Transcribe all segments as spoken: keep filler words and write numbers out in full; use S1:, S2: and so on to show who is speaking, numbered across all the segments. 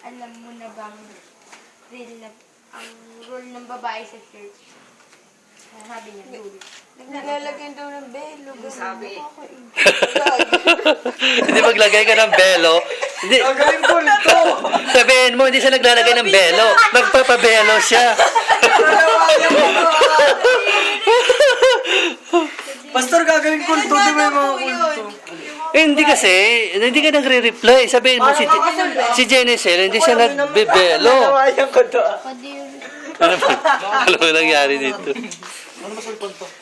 S1: alam mo na bang rule na, ang rule ng babae sa church? Ah, sabi niya, rule.
S2: Naglalagay daw ng belo.
S3: Sabi.
S4: Hindi maglagay ka ng belo. Hindi.
S3: Gagaling ko nito.
S4: Sabihin mo, hindi siya naglalagay ng belo. Magpapabelo siya.
S3: Pastor, gagaling ko nito. Di ba yung mga kulto?
S4: Eh, hindi kasi, hindi ka nagre-reply. Sabihin mo, si, si Jenicel, hindi siya nagbibelo.
S3: Nalawayan ko to.
S1: Pwede yun.
S4: Ano ba? Ano ba nangyari dito?
S3: Ano ba sulpon to?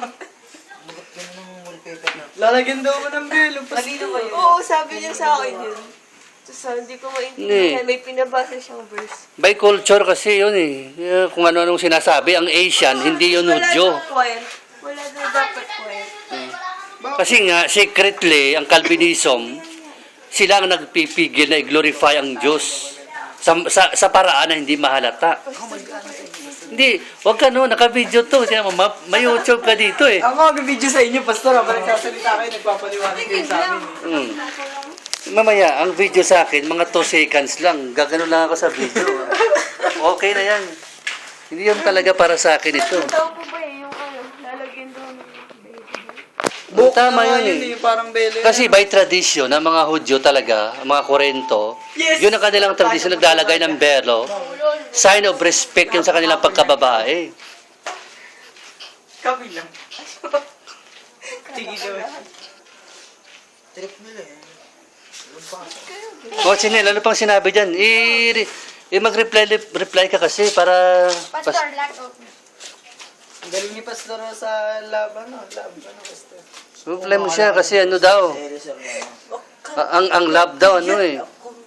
S3: Lalagyan daw mo ng belo. Pastor.
S2: Oo, sabi niya sa akin yun. Tapos ah, hindi ko maintindihan.
S4: Hindi.
S2: May pinabasa siyang verse.
S4: By culture kasi yun eh. Eh, Kung ano-anong sinasabi, ang Asian, hindi yun
S2: Wala
S4: Hudyo.
S2: daw choir. Wala daw dapat choir.
S4: Kasi nga, secretly, ang Calvinism, sila ang nagpipigil na i-glorify ang Diyos sa, sa, sa paraan na hindi mahalata. Hindi, wag ka no, naka-video to. Tingnan mo, ma- may YouTube ka dito eh.
S3: Ako mag-video sa inyo, Pastor. Habang nagsasalita kayo, nagpapaliwanag kayo sa amin.
S4: Mm. Mamaya, ang video sa akin, mga two seconds lang. Gagano lang ako sa video. Okay na yan. Hindi yun talaga para sa akin ito.
S2: Tao po ba eh, yung ano, lalagyan daw ng belo.
S4: Oh, tama
S3: na nga
S4: yun eh.
S3: Yung parang belo.
S4: Kasi by tradition, ng mga Hudyo talaga, ang mga Korento,
S3: Yes!
S4: yun ang kanilang tradition, naglalagay ng belo. Sign of respect yun sa kanilang pagkababae.
S3: Kami lang. Tingin daw. Trip nila eh.
S4: O, Chinel, ano pang sinabi dyan? I, i mag-reply reply ka kasi para...
S1: Pastor, lack of.
S3: Ang galing ni Pastor sa lab, ano? Lab, ano, Pastor?
S4: Reply mo siya kasi ano daw. a- Ang ang love daw, ano eh.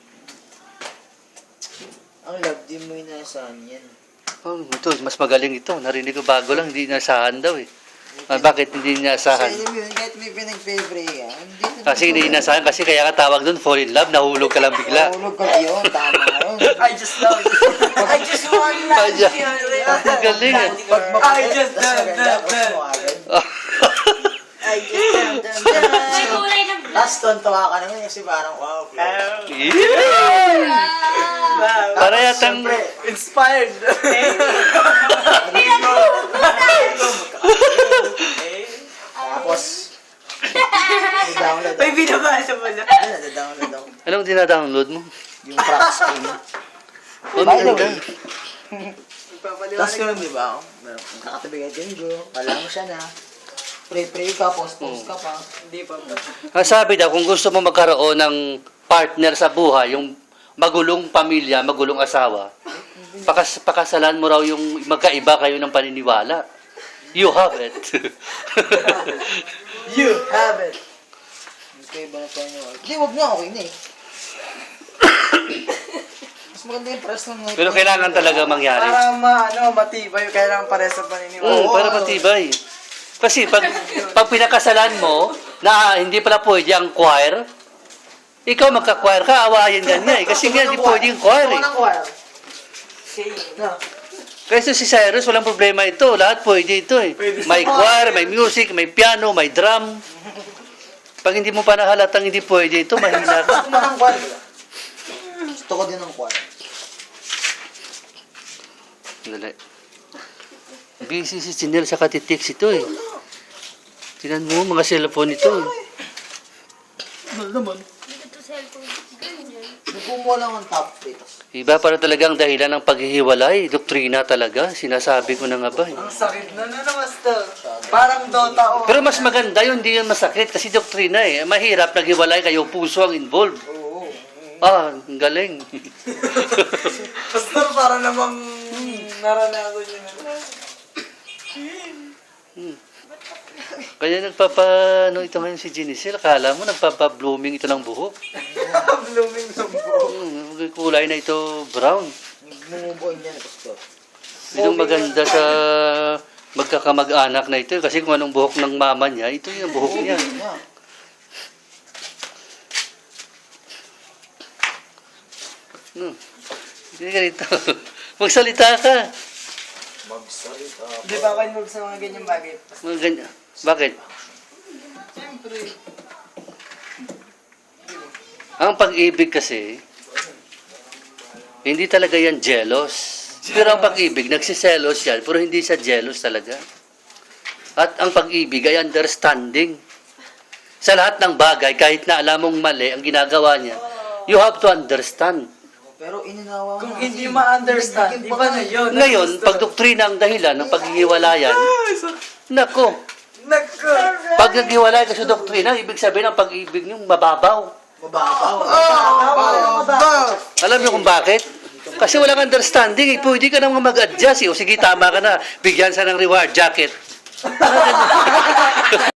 S5: Ang love, di mo inasahan yan.
S4: Oh, ito, mas magaling ito. Narinig ko bago lang, hindi inasahan daw eh. Ah, bakit hindi inasahan?
S5: Kasi alam mo yun, kahit may pinag-pray yan, hindi na
S4: Kasi hindi inasahan, kasi kaya ka tawag doon, fall in love, nahulog ka lang bigla.
S5: Mahulog ka yun, tama yun.
S3: I just love you. I just want
S4: Ay,
S3: love
S4: Diyan. Ang galing eh.
S5: Pag
S3: I just
S5: mas
S3: love,
S5: maganda,
S3: love,
S5: mas
S3: love.
S5: mo agad.
S3: I just love them.
S1: May kulay ng black.
S5: Tapos tontuwa ka naman kasi parang wow.
S4: Yeah!
S3: Wow.
S4: Para yatang...
S5: Siyempre,
S3: Inspired.
S5: tapos, download
S3: May binabasa mo na.
S5: Ano, download ako.
S4: Anong dinadownload mo?
S5: Yung crack screen.
S4: Oh,
S5: By the
S4: maganda.
S5: way, tapos
S3: Nagpapaliwanag.
S5: yun, di ba? Magkakatabi ka dyan, bro. Kala mo siya na. Pray-pray ka, post-post ka pa.
S3: Hindi pa ba?
S4: Ang sabi daw, kung gusto mo magkaroon ng partner sa buhay, yung magulong pamilya, magulong asawa, pakas pakasalan mo raw yung magkaiba kayo ng paniniwala. You have it.
S3: You have it.
S5: Okay ba na tayo? Hindi, wag na, okay na eh. Mas maganda yung press ng...
S4: Pero kailangan talaga mangyari.
S3: Para ma, ano, matibay. Kailangan pare sa paniniwala.
S4: Mm, para matibay. Kasi pag, pag pinakasalan mo, na hindi pala pwede ang choir, ikaw magka-choir ka, awayan ka niya eh. Kasi nga, hindi pwede yung choir eh.
S3: Ako ng choir. Okay. No.
S4: Kasi si Cyrus, walang problema ito. Lahat pwede ito eh. May choir, may music, may piano, may drum. Pag hindi mo pa nahalatang hindi pwede ito, mahina ka.
S5: Gusto mo ng quad? Gusto ko din ng quad.
S4: Dali. Busy si Chinel sa katitix ito eh. Tinan mo, mga cellphone ito eh.
S5: Ano naman?
S1: Hindi ko to cellphone. Ganyan.
S5: Nagkumuha lang ang top plates.
S4: Iba para talagang dahilan ng paghihiwalay. Doktrina talaga. Sinasabi ko na nga ba eh.
S3: Ang sakit na na naman to. Parang Dota o.
S4: Pero mas maganda yun, hindi yun masakit. Kasi doktrina eh. Mahirap, naghiwalay kayo, puso ang involved.
S5: Oo.
S4: Ah, ang galing.
S3: Pastor, para namang naranasan niya na.
S4: Kaya nagpapa, ano ito ngayon si Jenicel, akala mo nagpapa-blooming ito ng buhok.
S3: Blooming ng buhok.
S4: Hmm, kulay na ito brown.
S5: Numubuhay niya na gusto.
S4: Yung maganda sa magkakamag-anak na ito, kasi kung anong buhok ng mama niya, ito yung buhok niya.
S5: Yeah.
S4: Hmm. Hindi ka rito. Magsalita ka.
S5: Magsalita.
S3: Di ba kayo mag sa mga ganyang bagay?
S4: Mga ganyan. Bakit?
S3: Siyempre.
S4: Ang pag-ibig kasi, Hindi talaga yan jealous. Pero ang pag-ibig, nagsiselos yan, pero hindi siya jealous talaga. At ang pag-ibig ay understanding. Sa lahat ng bagay, kahit na alam mong mali ang ginagawa niya, you have to understand.
S5: Pero ininawa mo
S3: Kung
S5: kasi.
S3: hindi ma-understand,
S5: Nagiging
S3: iba na yun.
S4: Ngayon, pag doktrina ang dahilan ng paghihiwalayan, nako,
S3: Nako!
S4: pag naghiwalay ka sa doktrina, ibig sabihin ang pag-ibig niyo mababaw.
S5: Mababaw.
S3: Oh!
S4: Alam niyo kung bakit? Kasi walang understanding, eh. Pwede ka naman mag-adjust. Eh. O sige, tama ka na. Bigyan sa ng reward jacket.